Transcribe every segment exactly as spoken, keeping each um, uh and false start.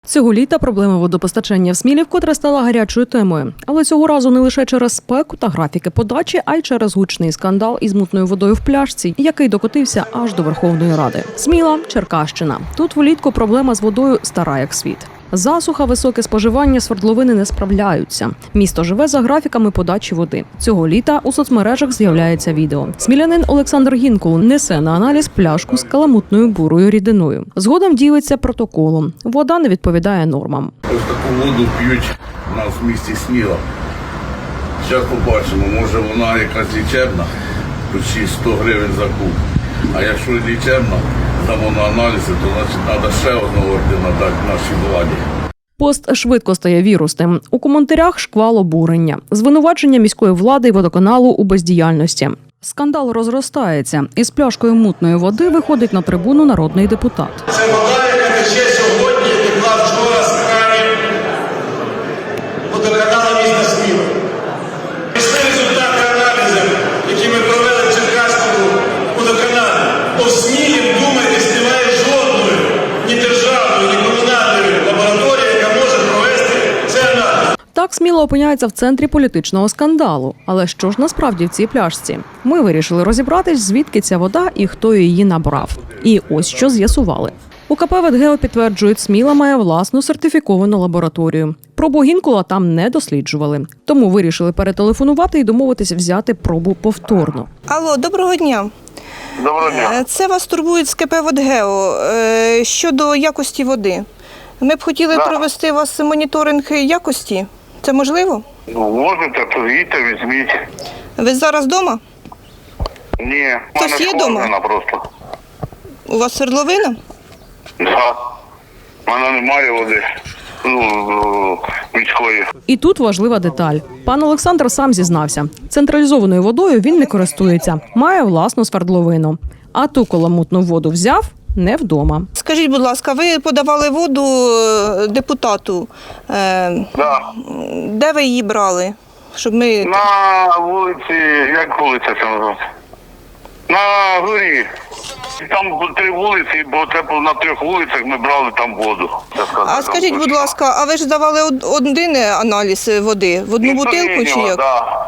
Цього літа проблема водопостачання в Смілі вкотре стала гарячою темою. Але цього разу не лише через спеку та графіки подачі, а й через гучний скандал із мутною водою в пляшці, який докотився аж до Верховної Ради. Сміла, Черкащина. Тут влітку проблема з водою стара як світ. Засуха, високе споживання, свердловини не справляються. Місто живе за графіками подачі води. Цього літа у соцмережах з'являється відео. Смілянин Олександр Гінкул несе на аналіз пляшку з каламутною бурою рідиною. Згодом ділиться протоколом. Вода не відповідає нормам. Ось таку воду п'ють у нас в місті Сміла. Зараз побачимо, може вона якась лічебна, почти сто гривень за куб. А якщо лічебна, дамо на аналізи, то значить треба ще одного ордена дати нашій владі. Пост швидко стає вірусним. У коментарях шквал обурення. Звинувачення міської влади і водоканалу у бездіяльності. Скандал розростається. Із пляшкою мутної води виходить на трибуну народний депутат. Це вода, яка тече сьогодні, текла вчора з кранів водоканалу міста Сміла. Пішли результати аналізів, які ми провели в Черкаському водоканалі. По Смілі, вдумайтесь, немає жодної ні державної, ні комунальної лабораторії, яка може провести цей аналіз. Так Сміла опиняється в центрі політичного скандалу. Але що ж насправді в цій пляшці? Ми вирішили розібратись, звідки ця вода і хто її набрав. І ось що з'ясували. У ка пе «Ветгео» підтверджують, Сміла має власну сертифіковану лабораторію. Пробу Гінкула там не досліджували. Тому вирішили перетелефонувати і домовитися взяти пробу повторно. Алло, доброго дня. Доброго дня. Це вас турбують з ка пе «Ветгео» щодо якості води. Ми б хотіли Да. провести у вас моніторинг якості. Це можливо? Ну, можете, то їдьте, візьміть. Ви зараз вдома? Ні, в Хтось мене є дома? схована просто. У вас свердловина? Да. В мене немає води. Ну, міської. І тут важлива деталь. Пан Олександр сам зізнався. Централізованою водою він не користується. Має власну свердловину. А ту каламутну воду взяв не вдома. Скажіть, будь ласка, ви подавали воду е, депутату. Е, Да. Де ви її брали? Щоб ми... На вулиці, як вулиця це називається? На горі. Там три вулиці, бо це на трьох вулицях ми брали там воду. А скажіть, будь ласка, а ви ж давали од- один аналіз води? В одну бутилку чи як? Да.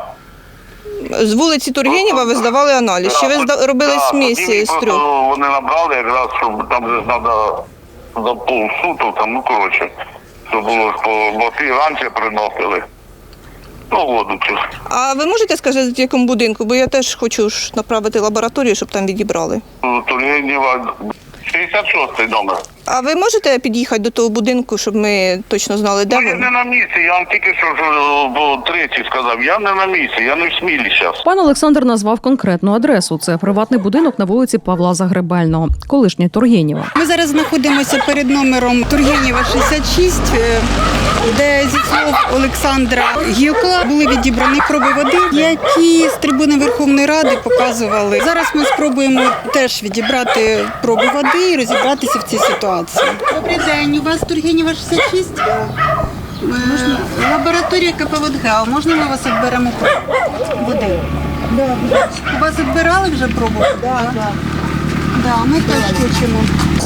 З вулиці Тургенєва ви здавали аналіз? Чи ви зда- робили Да, смісь тоді з трьох? просто Вони набрали якраз, щоб там же треба за полсуток, там, ну коротше, щоб було, бо ті раніше приносили. Ну, воду цю. А ви можете сказати, в якому будинку? Бо я теж хочу ж направити лабораторію, щоб там відібрали. Тургенєва, шістдесят шостий номер. А ви можете під'їхати до того будинку, щоб ми точно знали, де Ну, я ви? не на місці, я вам тільки що ж, бо третій сказав, я не на місці, я не в Смілі зараз. Пан Олександр назвав конкретну адресу. Це приватний будинок на вулиці Павла Загребельного, колишнє Тургенєва. Ми зараз знаходимося перед номером Тургенєва шістдесят шість, де зі слов Олександра Гілка були відібрані проби води, які з трибуни Верховної Ради показували. Зараз ми спробуємо теж відібрати проби води і розібратися в цій ситуації. Добрий день, у вас Тургенєва шістдесят шість? Можна? Лабораторія ка пе «Ветгео». Можна ми вас відберемо пробу води? Да, у вас відбирали вже пробу? Так, да, так. Да, ми теж хочемо.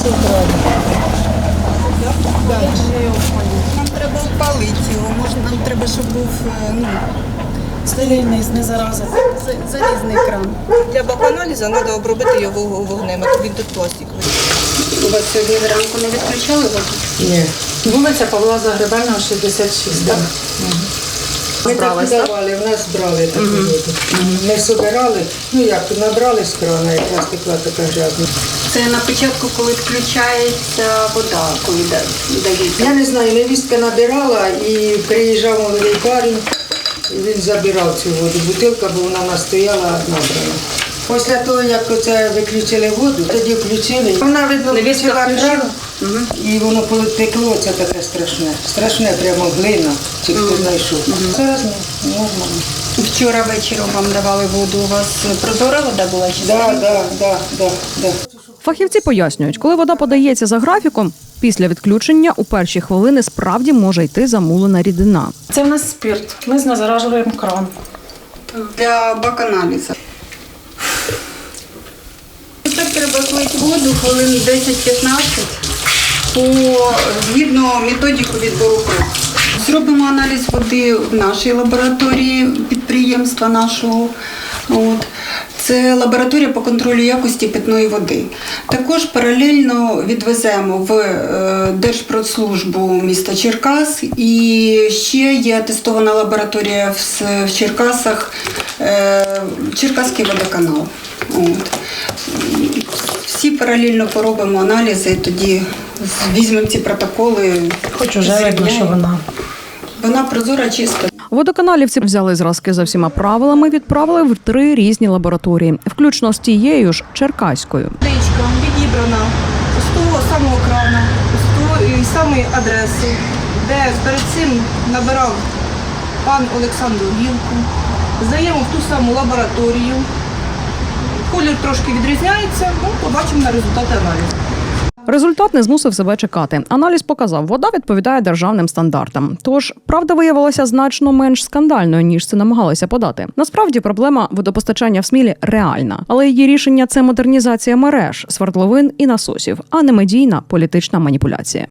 Нам треба опалити його, може нам треба, щоб був ну, стерильний, не зараза, залізний кран. Для баканалізу треба обробити його вогнем, він тут пластиковий. У вас сьогодні зранку не відключали воду? Ні. Вулиця Павла Загребельного, шістдесят шість, так? Ми так подавали, в нас брали таку воду. Ми собирали, ну як, набрали з крана, якраз текла така грязна. Це на початку, коли включається вода, коли дають. Я не знаю, невістка набирала і приїжджав молодий парень, і він забирав цю воду. Бутилка, бо вона в нас стояла набрана. Після того, як оце виключили воду, тоді включили. Вона, видно, включила кран, і воно потекло, це таке страшне. Страшне, прямо глина, чи хто знайшов. Зараз не нормально. Вчора вечором вам давали воду, у вас прозора вода була чи Так, так, так, так, так. Фахівці пояснюють, коли вода подається за графіком, після відключення у перші хвилини справді може йти замулена рідина. Це в нас спирт. Ми знезаражуємо кран. для баканалізу. Так треба слити воду хвилин десять-п'ятнадцять. по згідно методику відбору крові. Зробимо аналіз води в нашій лабораторії підприємства нашого. От. Це лабораторія по контролю якості питної води. Також паралельно відвеземо в е, Держпродслужбу міста Черкас, і ще є атестована лабораторія в, в Черкасах, е, Черкаський водоканал. От. Всі паралельно поробимо аналізи, і тоді візьмемо ці протоколи. Хоч уже видно, що вона. Вона прозора, чиста. Водоканалівці взяли зразки за всіма правилами, відправили в три різні лабораторії, включно з тією ж черкаською. Водичка відібрана з того самого крана, з тої самої адреси, де перед цим набирав пан Олександр Гілку. Здаємо в ту саму лабораторію. Колір трошки відрізняється, ну, побачимо на результати аналізу. Результат не змусив себе чекати. Аналіз показав, вода відповідає державним стандартам. Тож, правда виявилася значно менш скандальною, ніж це намагалися подати. Насправді, проблема водопостачання в Смілі реальна. Але її рішення – це модернізація мереж, свердловин і насосів, а не медійна політична маніпуляція.